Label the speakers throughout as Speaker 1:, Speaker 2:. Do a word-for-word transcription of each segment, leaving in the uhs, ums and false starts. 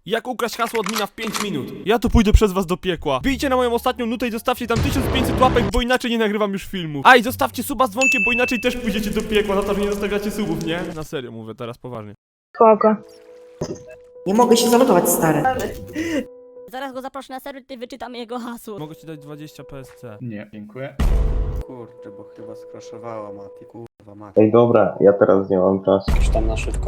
Speaker 1: Jak ukraść hasło admina w pięć minut? Ja to pójdę przez was do piekła. Bijcie na moją ostatnią nutę i zostawcie tam tysiąc pięćset łapek, bo inaczej nie nagrywam już filmów. A i zostawcie suba z dzwonkiem, bo inaczej też pójdziecie do piekła za to, że nie zostawiacie subów, nie? Na serio mówię teraz poważnie.
Speaker 2: Kogo?
Speaker 3: Nie mogę się zalogować, stary.
Speaker 4: Zaraz go zaproszę na serwer, ty wyczytam jego hasło.
Speaker 1: Mogę ci dać dwadzieścia P S C.
Speaker 5: Nie, dziękuję. Kurczę, bo chyba skraszowała Mati, kurwa Mati.
Speaker 6: Ej, dobra, ja teraz nie mam czasu.
Speaker 7: Już tam na szybko.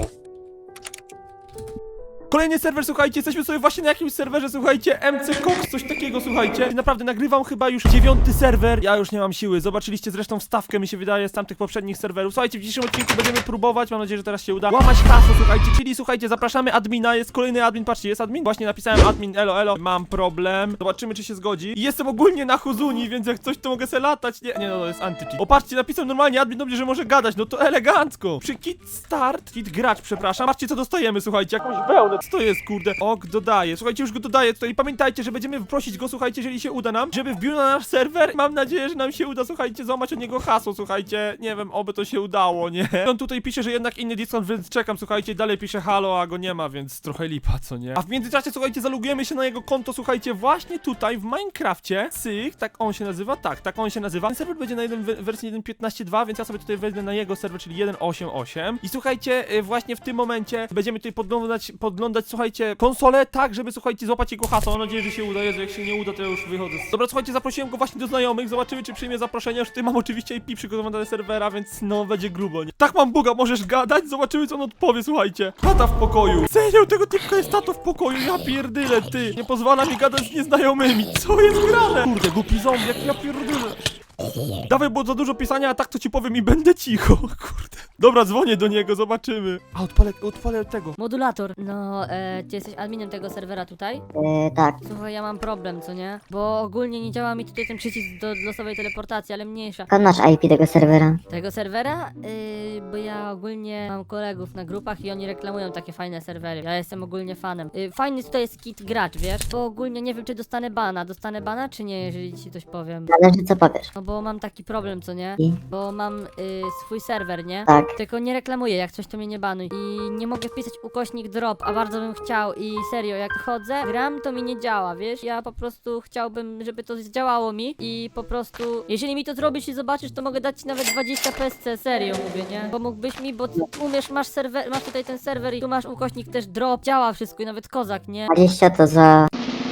Speaker 1: Kolejny serwer, słuchajcie, jesteśmy sobie właśnie na jakimś serwerze, słuchajcie, M C Cox, coś takiego, słuchajcie. I naprawdę nagrywam chyba już dziewiąty serwer. Ja już nie mam siły. Zobaczyliście zresztą wstawkę, mi się wydaje, z tamtych poprzednich serwerów. Słuchajcie, w dzisiejszym odcinku będziemy próbować, mam nadzieję, że teraz się uda, łamać hasło, słuchajcie, czyli słuchajcie, zapraszamy admina, jest kolejny admin, patrzcie, jest admin. Właśnie napisałem admin, elo, elo, mam problem. Zobaczymy, czy się zgodzi. I jestem ogólnie na Huzuni, więc jak coś, to mogę se latać. Nie, nie, no, to jest anti-cheat. O, patrzcie, napisał normalnie admin do mnie, że może gadać, no to elegancko. Przy kit start, kit gracz, przepraszam. Patrzcie, co dostajemy, słuchajcie, jakąś wełnę. Co to jest, kurde? Ok, dodaję. Słuchajcie, już go dodaję tutaj i pamiętajcie, że będziemy prosić go, słuchajcie, jeżeli się uda nam, żeby wbił na nasz serwer. Mam nadzieję, że nam się uda, słuchajcie, złamać od niego hasło, słuchajcie. Nie wiem, oby to się udało, nie? On tutaj pisze, że jednak inny Discord, więc czekam, słuchajcie, dalej pisze halo, a go nie ma, więc trochę lipa, co nie? A w międzyczasie, słuchajcie, zalogujemy się na jego konto, słuchajcie, właśnie tutaj w Minecrafcie. Syk, tak on się nazywa? Tak, tak on się nazywa. Ten serwer będzie na jeden, wersji jeden piętnaście dwa, więc ja sobie tutaj wezmę na jego serwer, czyli jeden osiem osiem. I słuchajcie, y, właśnie w tym momencie będziemy tutaj podglądać, podglądać, słuchajcie, konsolę, tak, żeby, słuchajcie, złapać jego hasło. Mam nadzieję, że się uda. Jezu, jak się nie uda, to ja już wychodzę. Dobra, słuchajcie, zaprosiłem go właśnie do znajomych. Zobaczymy, czy przyjmie zaproszenie. Już tutaj mam oczywiście I P przygotowane do serwera, więc no, będzie grubo, nie? Tak, mam buga, możesz gadać? Zobaczymy, co on odpowie, słuchajcie. Tata w pokoju. Serio, tego typka jest tato w pokoju. Ja pierdyle, ty. Nie pozwala mi gadać z nieznajomymi. Co jest grane? Kurde, głupi zombie, jak ja pierdyle. Dawaj, bo za dużo pisania, a tak to ci powiem i będę cicho. Kurde. Dobra, dzwonię do niego, zobaczymy. A, odpalę, odpalę tego.
Speaker 4: Modulator. No, e, ty jesteś adminem tego serwera tutaj?
Speaker 3: Eee, tak.
Speaker 4: Słuchaj, ja mam problem, co nie? Bo ogólnie nie działa mi tutaj ten przycisk do losowej teleportacji, ale mniejsza.
Speaker 3: Skąd masz I P tego serwera?
Speaker 4: Tego serwera? Yy, bo ja ogólnie mam kolegów na grupach i oni reklamują takie fajne serwery. Ja jestem ogólnie fanem. Yy, fajny tutaj jest kit gracz, wiesz? Bo ogólnie nie wiem, czy dostanę bana. Dostanę bana, czy nie, jeżeli ci coś powiem?
Speaker 3: Zależy, co powiesz.
Speaker 4: No bo mam taki problem, co nie?
Speaker 3: I?
Speaker 4: Bo mam yy, swój serwer, nie?
Speaker 3: Tak.
Speaker 4: Tylko nie reklamuję, jak coś to mnie nie banuj. I nie mogę wpisać ukośnik drop, a bardzo bym chciał. I serio, jak chodzę, gram, to mi nie działa, wiesz? Ja po prostu chciałbym, żeby to zdziałało mi. I po prostu, jeżeli mi to zrobisz i zobaczysz, to mogę dać ci nawet dwadzieścia P S C, serio mówię, nie? Pomógłbyś mi, bo ty umiesz, masz serwer, masz tutaj ten serwer i tu masz ukośnik też drop, działa wszystko i nawet kozak, nie?
Speaker 3: dwadzieścia to za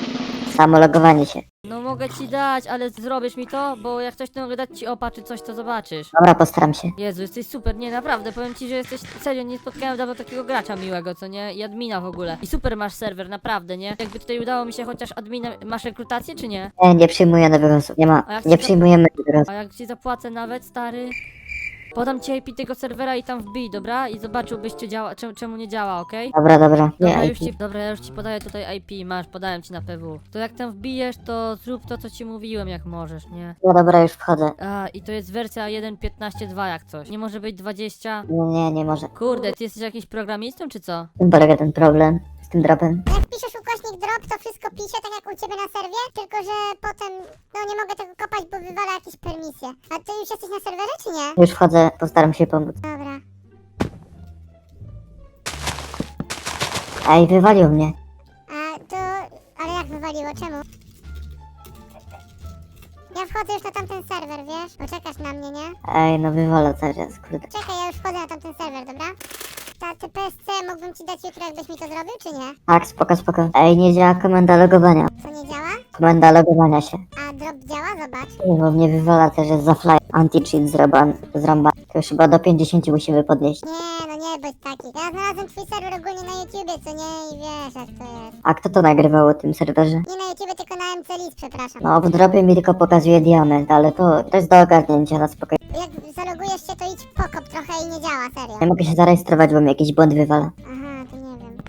Speaker 3: samo logowanie się.
Speaker 4: No mogę ci dać, ale zrobisz mi to, bo jak coś to mogę dać ci opa czy coś, to zobaczysz.
Speaker 3: Dobra, postaram się.
Speaker 4: Jezu, jesteś super, nie, naprawdę, powiem ci, że jesteś, serio, nie spotkałem dawno takiego gracza miłego, co nie? I admina w ogóle. I super masz serwer, naprawdę, nie? Jakby tutaj udało mi się chociaż admina, masz rekrutację czy nie?
Speaker 3: Nie, nie przyjmuję nowych osób. Nie ma.
Speaker 4: A jak
Speaker 3: Nie
Speaker 4: ci-
Speaker 3: przyjmujemy nowych osób.
Speaker 4: A jak ci zapłacę nawet, stary? Podam ci I P tego serwera i tam wbij, dobra? I zobaczyłbyś, czy działa, czemu, czemu nie działa, okej?
Speaker 3: Dobra, dobra.
Speaker 4: Dobra,
Speaker 3: Nie,
Speaker 4: już
Speaker 3: I P.
Speaker 4: ci, dobra, ja już ci podaję tutaj I P, masz, podałem ci na P W. To jak tam wbijesz, to zrób to, co ci mówiłem, jak możesz, nie?
Speaker 3: No dobra, już wchodzę.
Speaker 4: A, i to jest wersja jeden piętnaście dwa jak coś. Nie może być dwadzieścia.
Speaker 3: Nie, nie, nie może.
Speaker 4: Kurde, ty jesteś jakimś programistą, czy co?
Speaker 3: W tym polega ten problem z tym dropem.
Speaker 8: Jak piszesz ukośnik drop, to wszystko pisze, tak jak u ciebie na serwie, tylko że potem, no nie mogę tego kopać, bo wywala jakieś permisje. A ty już jesteś na serwerze, czy nie?
Speaker 3: Już wchodzę, postaram się pomóc.
Speaker 8: Dobra.
Speaker 3: Ej, wywalił mnie.
Speaker 8: A to, ale jak wywaliło, czemu? Ja wchodzę już na tamten serwer, wiesz? Poczekasz na mnie, nie?
Speaker 3: Ej, no wywala cały czas, kurde.
Speaker 8: Czekaj, ja już wchodzę na tamten serwer, dobra? Ta, te P S C mógłbym ci dać jutro, jakbyś mi to zrobił, czy nie?
Speaker 3: Tak, spoko, spoko. Ej, nie działa komenda logowania.
Speaker 8: Co nie działa?
Speaker 3: Komenda logowania się.
Speaker 8: A drop działa? Zobacz.
Speaker 3: Ej, bo mnie wywala też, jest za fly. Anti-cheat zroban, zrąba. To już chyba do pięćdziesięciu musimy podnieść.
Speaker 8: Nie, no nie bądź taki. Ja znalazłem twój serwer ogólnie na YouTubie, co nie? I wiesz, jak to jest.
Speaker 3: A kto to nagrywał o tym serwerze?
Speaker 8: Nie na YouTubie, tylko na M C List, przepraszam.
Speaker 3: No, w dropie mi tylko pokazuje diament, ale to, to jest do ogarnięcia na spokojnie.
Speaker 8: Jak zalogujesz się, to idź pokop trochę i nie działa, serio.
Speaker 3: Nie mogę się zarejestrować, bo mi jakiś błąd wywala.
Speaker 8: Aha, to nie wiem.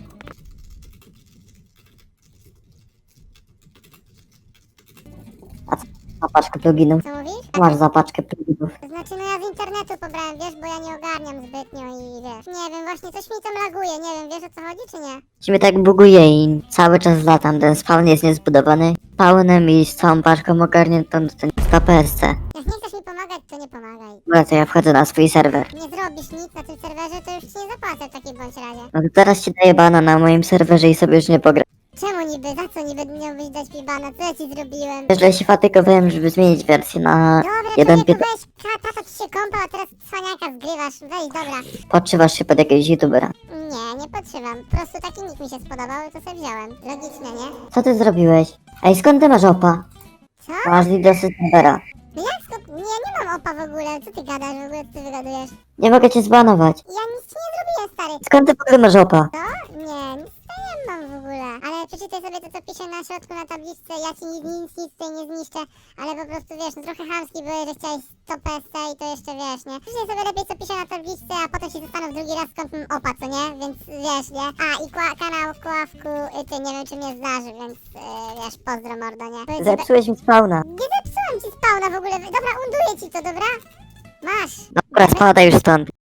Speaker 3: Zapaczkę pluginów.
Speaker 8: Co mówisz?
Speaker 3: Masz zapaczkę pluginów.
Speaker 8: To znaczy, no ja z internetu pobrałem, wiesz, bo ja nie ogarniam zbytnio i wiesz. Nie wiem, właśnie coś mi tam laguje, nie wiem, wiesz o co chodzi, czy nie?
Speaker 3: Ci mnie tak buguje i cały czas latam. Ten spawn jest niezbudowany. Spawnem i z całą paczką ogarniętą to ten sto P S C.
Speaker 8: Jak nie chcesz mi pomagać, to nie pomagaj.
Speaker 3: Dobra, to ja wchodzę na swój serwer.
Speaker 8: Nie zrobisz nic na tym serwerze, to już ci nie zapłacę w takim bądź razie.
Speaker 3: No to teraz ci daję bana na moim serwerze i sobie już nie pogra.
Speaker 8: Czemu niby? Za co niby miałbyś dać mi bana? Co ja ci zrobiłem?
Speaker 3: Wiesz, że ja się fatygowałem, żeby zmienić wersję na
Speaker 8: Dobra,
Speaker 3: jeden
Speaker 8: człowieku,
Speaker 3: piętnaście.
Speaker 8: weź, ka- tata ci się kąpał, a teraz cwaniaka zgrywasz. Weź, dobra.
Speaker 3: Podszywasz się pod jakiegoś youtubera.
Speaker 8: Nie, nie podszywam. Po prostu taki nick mi się spodobał i to sobie wziąłem. Logicznie, nie?
Speaker 3: Co ty zrobiłeś? Ej, skąd ty masz opa?
Speaker 8: Co?
Speaker 3: Masz lidosy serwera.
Speaker 8: No jak skąd? Nie, nie mam opa w ogóle. Co ty gadasz w ogóle? Co ty wygadujesz?
Speaker 3: Nie mogę cię zbanować.
Speaker 8: Ja nic ci nie zrobiłem, stary.
Speaker 3: Skąd ty w ogóle masz opa?
Speaker 8: Co? Nie, nic ja nie mam w ogóle. Ale przeczytaj sobie to, co pisze na środku na tabliczce. Ja ci nic, nic, nic tutaj nie zniszczę. Ale po prostu wiesz, no trochę chamski były, że chciałeś sto P S i to jeszcze wiesz, nie? Przeczytaj sobie lepiej, co pisze na tabliczce, a potem się zastanów drugi raz, skąd mam opa, co nie? Więc wiesz, nie? A, i kła- kanał Kławku, y, ty nie wiem, czy mnie zdarzy, więc yy, wiesz, pozdro mordo, nie? Powiedz, że-
Speaker 3: Zepsułeś mi spawna.
Speaker 8: Nie zepsułam ci spawna w ogóle. Dobra, unduję ci to, dobra? Masz.
Speaker 3: Dobra, spadaj już stąd.